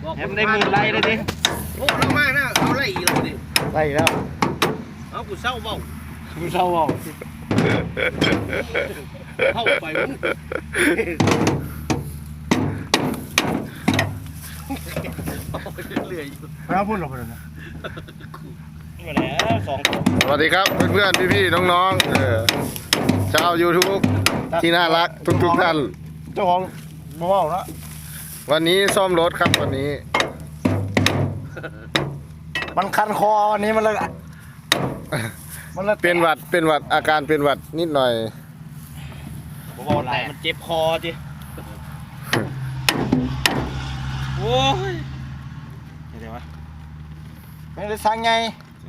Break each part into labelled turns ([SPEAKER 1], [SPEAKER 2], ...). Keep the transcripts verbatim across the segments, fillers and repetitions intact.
[SPEAKER 1] แฮมได้หมื่นไล่เลยดิ
[SPEAKER 2] โอ้เรามากนะเอาไล่อีกแล้วดิ
[SPEAKER 3] ไล่แล้ว
[SPEAKER 2] เอากูเศร้าเบ้า
[SPEAKER 3] กูเศร้าเอา
[SPEAKER 2] เข้าไปมึงเรื่อยๆ
[SPEAKER 3] ไม่เอาพูดหรอกเลยนะ
[SPEAKER 1] มาแล้วสอง
[SPEAKER 4] สวัสดีครับเพื่อนๆพี่ๆน้องๆเออชาวยูทูบที่น่ารักทุกๆท่าน
[SPEAKER 3] เจ้าของบ่เว้าละ
[SPEAKER 4] วันนี้ซ่อมรถครับวันนี้
[SPEAKER 3] มันคันคอวันนี้มันเลยมันเลย
[SPEAKER 4] เป็นหวัดเป็นหวัดอาการเป็นหวัดนิดหน่อย
[SPEAKER 1] ผมบอกอะไรมันเจ็บคอจิโอ้ยเดี๋ยววะ
[SPEAKER 3] ไม่ได้สั่งไง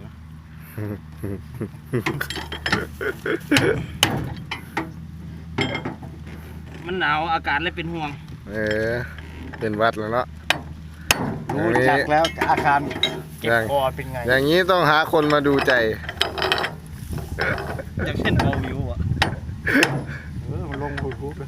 [SPEAKER 1] มันหนาวอาการเลยเป็นห่วง
[SPEAKER 4] เออเป็นหวัดแล้วเนาะอ
[SPEAKER 3] ดู
[SPEAKER 4] ย่างนี้
[SPEAKER 3] จักแล้วอาการเก็บคอเป็นไง
[SPEAKER 4] อย่างนี้ต้องหาคนมาดูใจ
[SPEAKER 1] จากเช่นเบาวิวอ่ะ
[SPEAKER 3] เออมันลงยูทูบเลย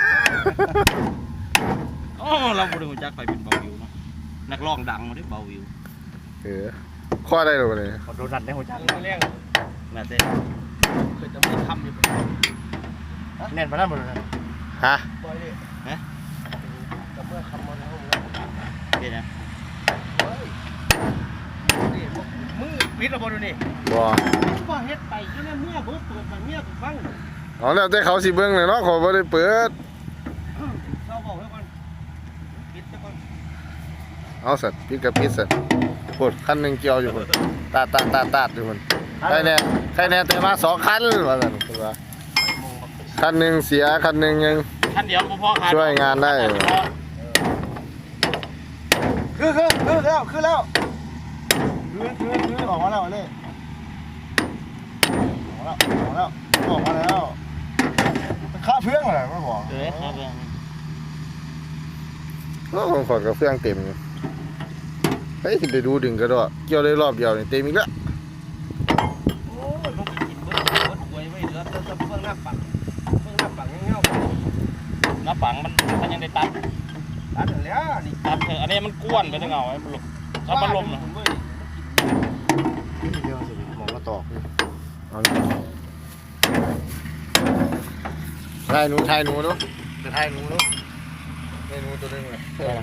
[SPEAKER 1] อ๋อเราบริวจักไปเป็นเบาวิวเนาะนักร้องดังมาด้วยเบาวิว
[SPEAKER 4] เออข้อได้หรือเปล่าเนี่ย
[SPEAKER 3] โดนนัดในหัวจัก
[SPEAKER 2] เรื่อง
[SPEAKER 1] น่าจะ
[SPEAKER 2] เคยจะไม่ทำอยู่
[SPEAKER 3] แน่นมาแล้วหมดเลย
[SPEAKER 4] ฮะ
[SPEAKER 2] บ่อยดิ
[SPEAKER 1] ฮะ
[SPEAKER 2] แต่เมื่อคำมันเขา
[SPEAKER 1] เดี๋ยวนะ
[SPEAKER 2] เฮ้ยนี่มึงปิดระบบดูนี่
[SPEAKER 4] บ่
[SPEAKER 2] ก็เฮ็ดไปแค่นั้นเมื่อเบิดเปิดมาเมียกูฟัง
[SPEAKER 4] เอาแล้วแต่เขาสิเบิ้งเลยเนาะเขาบ่ได้เปิด
[SPEAKER 2] เศร้าเบาให้ก่อนปิดซะก่อน
[SPEAKER 4] เอาสัตว์ปิดกับปิดสัตว์ปวดคันหนึ่งเกี่ยวอยู่คนตาดตาดตาดตาดอยู่คนใครแน่ใครแน่แต่มาสองคันว่าสั่นคือว่าคันหนึ่งเสียคันหนึ่งยัง
[SPEAKER 1] ท่านเดียวพ่อขาด
[SPEAKER 4] ช่วยงานได้
[SPEAKER 3] คือคือคือแล้วคือแล้วคือคือคือออกมาแล้วเลยออกมาแล้วออกมาแล้วออกมาแล้วมันฆ่าเพื่อนอะไรไม่บอก
[SPEAKER 1] เออครับ
[SPEAKER 4] ก็ของขอดกับเฟื่องเต็มอยู่เฮ้ยไปดูดึงกระโดดเกี่ยวได้รอบเดียวนี่เต็มอีกแล้ว
[SPEAKER 2] โอ้ยมันกินเบิดเบิดหวยไว้เหลือแต่เพิ่งหน้าปังเพิ่งหน้าปังเงี้ยว
[SPEAKER 1] น้าปังมันมันยังได้ตัด
[SPEAKER 2] ตัดแล้วนี่
[SPEAKER 1] ตัดเถอะอันนี้มันก้วนไปทั้งเอาไอ้มันหลบถ้ามันลมนะ
[SPEAKER 3] เดียวสิมองก็ตอก
[SPEAKER 4] เอานี่ถ่ายหนูถ่ายหนูเนาะจะถ่ายหนูเนาะถ่ายหนูตัวนึงเลย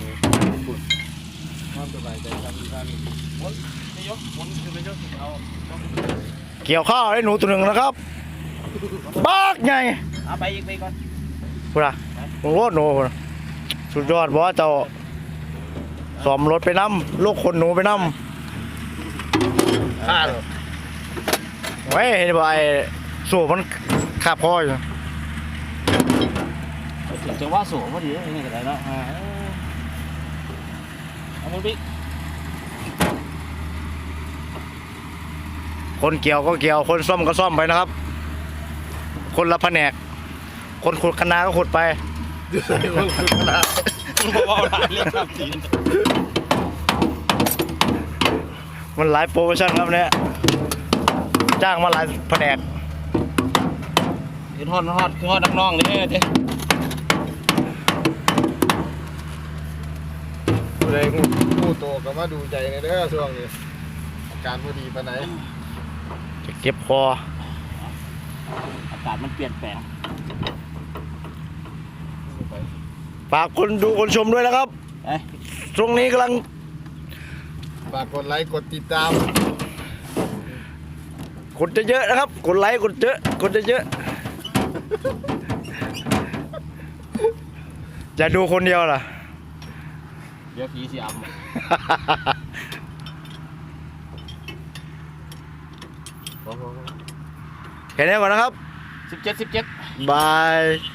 [SPEAKER 2] ความสบายใจกันดีกันวนนายกวนคือไปยกเอา
[SPEAKER 3] เกี่ยวข้าวให้หนูตัวหนึ่งนะครับบ้ากไง
[SPEAKER 1] เอาไปอีกไปก่อน
[SPEAKER 3] พูดอะโอ้โหหนูพุ่นน่ะสุดยอดบอสเจ้าสอมรถไปน้ำลูกคนหนูไปน้
[SPEAKER 4] ฆ่าเลย
[SPEAKER 3] ำไว้เห็นบ่ไอ้สูบมันขับคออยู่
[SPEAKER 1] จะว่าสูงพอดีนี่ก็ได้แล้วเอามือปิ๊ก
[SPEAKER 3] คนเกี่ยวก็เกี่ยวคนซ่อมก็ซ่อมไปนะครับ คนละแผนกคนขุดคณะก็ขุดไป
[SPEAKER 1] บอกว่าหลายเรื่องครับจีน
[SPEAKER 3] มันหลายโปรโมชั่นครับเนี่ยจ้างมาหลายแผนก
[SPEAKER 1] คือทอดทอดคือทอดนักน้องนี่เจ๊
[SPEAKER 4] ผู้ใดงูงูโตก็มาดูใจในเด้อช่วงนี้อาการพอดีปานไหน
[SPEAKER 3] จะเก็บคอ
[SPEAKER 1] อากาศมันเปลี่ยนแปลง
[SPEAKER 3] ฝากคนดูคนชมด้วยนะครับ
[SPEAKER 1] เอ้ย
[SPEAKER 3] ตรงนี้กำลัง
[SPEAKER 4] ฝากกดไลค์กดติดตาม
[SPEAKER 3] กดเยอะๆนะครับกดไลค์กดเยอะกดเยอะๆอย่าดูคนเดียวล่ะ
[SPEAKER 1] เดี๋ยวผีสิอัม
[SPEAKER 3] แค่นี้ก่อนนะครับ
[SPEAKER 1] สิบเจ็ดสิบเจ็ด
[SPEAKER 3] บาย